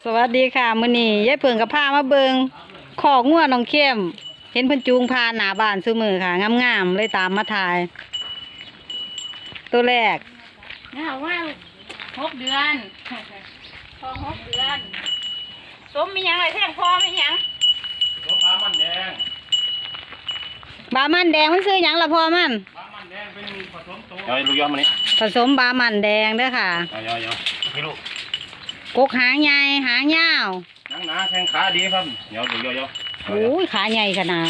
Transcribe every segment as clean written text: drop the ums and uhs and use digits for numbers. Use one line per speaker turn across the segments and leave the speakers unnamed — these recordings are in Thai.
วัสดีค่ะมื้อนี้ยายเพิ่งกับพามาเบิงขอกงัวน้องเข้มเห็นเพิ่นจูงพาหน้าบ้านซุมื้อค่ะงามๆเลยตามมาถ่าย ตัวแรก
เนี่ยว่า6 เดือนพอ6 เดือนสมมีหยังไรแท่งพอมีหยัง
สมบามันแดง
บามันแดงมันซื้อหยังล่ะพ่อมัน
บามันแดงเป็นผสมตัวลูกย้อมมานี่
ผสมบามันแดงเด้อค่ะ
ย่อพี่ลูก
กกหางใหญ่หางยาว
หนังหนาแข้งขาดีครับย่อดูย่อ
โอ้ยขาใหญ่ขนาด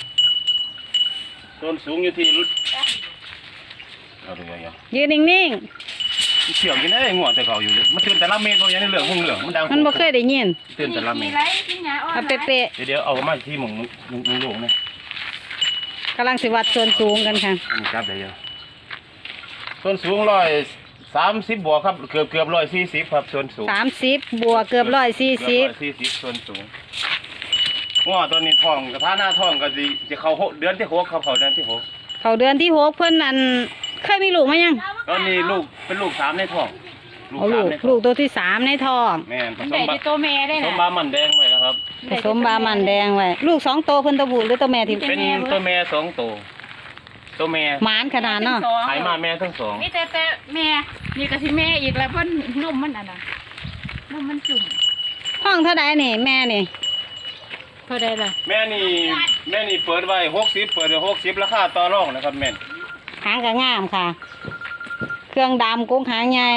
ต้นสูงอยู่ที่รุดดูย่อ
ยืนนิ่ง
ๆเฉียวกินได้งัวแต่เขาอยู่มันตื่นแต่ละเม็ดตัวอย่างนี้เหลืองหุ่งเหลืองมันดัง
มันบ่เคยได้ยิน
ตื่นแต่ละเม็ด
เอาเป๊ะ
เดี๋ยวเอามาที่หมุนลูกนี่
กำลังสิวัดส่วนสูงกันค่ะ
นี่ครับเดี๋ยวส่วนสูง130 บวกครับเกือบ140ครับส่วนสูง
30 บวกเกือบ140
ส่วนสูงงัวตัวนี้ท้องกระทะหน้าท้องก็จะเข้าเดือนที่6ครับเข้าเดือนที่6
เขาเดือนที่6เพิ่นอันเคยมีลูกมั้ยยัง
ตอนนี้ลูกเป็นลูก3ในท้อง
ลูกตัวที่3ในท้อง
แม่นผสม
ตัวแม่ได้นะ
ผสมบามันแดงไว้นะครับ
ผสมบามันแดงไว้ลูก2ตัวเพิ่นตัวผู้หรือตัวแม่ที่
เป็นตัวแม่2ตัวตัวแม่
หมานขนาดเนาะ
ขายมาแม่ทั้ง2
นี่แต่แม่นี่ก็สิแม่อีกแล้วเพิ่นนมมันน่ะนมมันจุ่ม
ห้องเท่าใดนี่แม่นี่
เท่าใดล่ะ
แม่นี่เปิดไว้60เปิดไว้60ราคาต่อรองนะครับแม่น
หางก็งามค่ะเครื่องดำกุ้งหางใหญ่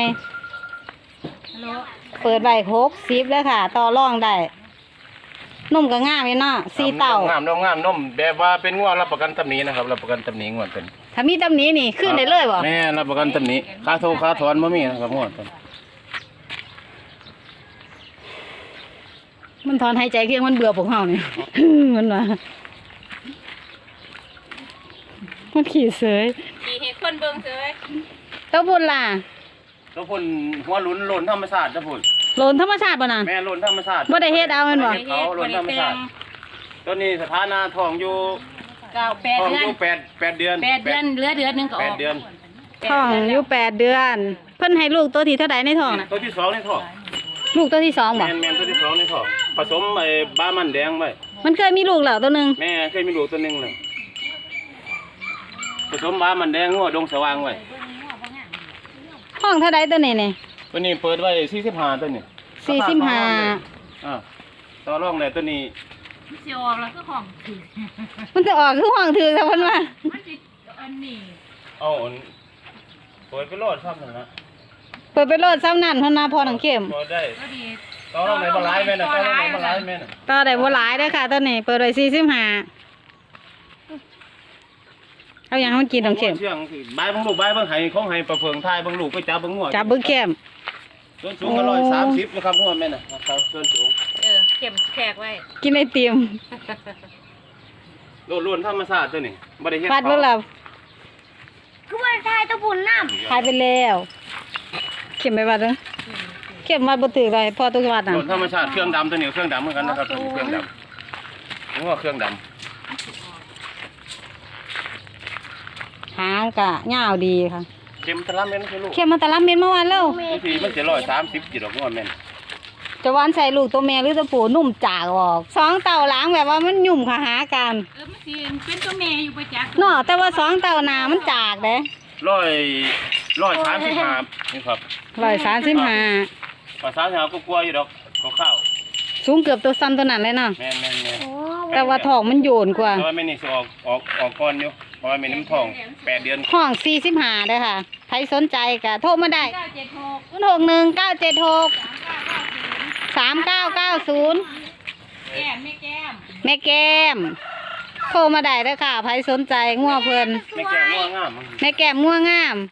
เปิดไว้60แล้วค่ะต่อรองได้นมก็งามอยู่เนาะ4เต้าง
ามนมแบบว่าเป็นงัวรับประกันตำหนินะครับรับประกันตำหนิงัวเป็น
ถ้ามีตำหนินี่ขึ้นได้เลยบ่
แม่รับประกันตำหนิค่าโทรค่าถอนบ่มีนะครับงัวเป็น
มันถอนหายใจเพียงมันเบื่อพวกเฮานี่ มันว่ามันขี่เสย
ขี่ให้คนเบิ่งเสย
ตัวพุ่นล่ะ
ตัวพุ่นหัวหลุนธรรมชาติตัวพุ่น
โลนธรรมชาติบ่นั่น
แม่หลุนธรรมชาติ
บ่ได้เฮ็ดเอาแม่นบ่
เขาหลุนธรรมชาติตัวนี้สถานะท้องอยู่
8 เดือน
8 เดือน
เหลือเดือนนึงก็ออก
8 เดือน
ท้องอยู่8 เดือนเพิ่นให้ลูกตัวที่เท่าใดในท้องน่ะ
ตัวที่2ในท้อง
ลูกตัวที่2บ่
แม่ตัวที่2ในท้องผสมไอ้บามันแดงไว้
มันเคยมีลูกแล้วตัวนึง
แม่เคยมีลูกตัวนึงเลยผสมบามันแดงงัวดงสว่างไว้
ห้องเท่าใดตัวนี้นี่
ตัวนี้เปิดไว้45ตัวนี้
45
ต่อรองได้ตัวนี้
สิออกแล้วคือห้องถือ
มันจะออกคือห้องถือซะเพิ่นว่า
มันสิอันนี้
เปิดไปโลดซ้ำนั่นนะ
เปิดไปโลดซ้ำนั่นเพิ่นน่ะพอหนังเข้ม
เปิดได้ต่อรองได้บ่หลายแม่น่ะต่อรองได้บ่หลายแม่น่ะ
ต่อได้บ่หลายเด้อค่ะตัวนี้เปิดไว้45เอาอย่างมันกินน้องเข้ม
เชื่องบายเบิ่งลูกบายเบิ่งให้ของให้ประเพิงทายเบิ่งลูกไปจับเบิ่งงัว
จับเบิ่งเข้ม
ส่วนสูงก็130นะครับงัวแม่น่ะครับส่วนสูง
เข้มแขกไว้
กินไอติม
ล้วนธรรมชาติตัวนี้บ่ได้เฮ็ด
ฟัดบ่ล่ะ
คือว่าทายตะบุญน้
ำทายไปแล้วเข้มไปวัดเด้อเข้มวัดบ่ถือเลยพอตุกวัดน่ะ
ล้วนธรรมชาติเครื่องดำตัวนี้เครื่องดำเหมือนกันนะครับเครื่องดำงัวเครื่องดำ
หางกะยาวดีค่ะ
เข็มตะลับเม็ดคือลูก
เข็มมันตะลับเม็ดเมื่อวานแล้ว
ทีมันจะ130กิโลกรัมแม่น
จะวานใส่ลูกตัวแม่หรือตัวผู้นุ่มจากออก2เต่าหลังแบบว่ามันยุ่มค่ะหากัน
มันสิเป็นตัวแม่อยู่ประจักษ์
เนาะแต่ว่า2เต่าหน้ามันจากเด้
135นี่ครับ
135
ภาษาชาวก็กลัวอยู่ดอกก็เข้า
สูงเกือบตัวซ้ำตัวนั้นเลยเนาะ
แม่น
แต่ว่าท้องมันโยนกว่า
แต่ว่าแม่นี่สิออกก่อนอยู่เพราะว่าแม่น้ำท้อง8 เดือน
ห้อง45เด้อค่ะใครสนใจก็โทรมาได้0619763990แม่แก้มโทรมาได้เด้อค่ะใครสนใจงัวเพิ่น
แม่แก้มงัวงาม
แม่แก้มงัวงาม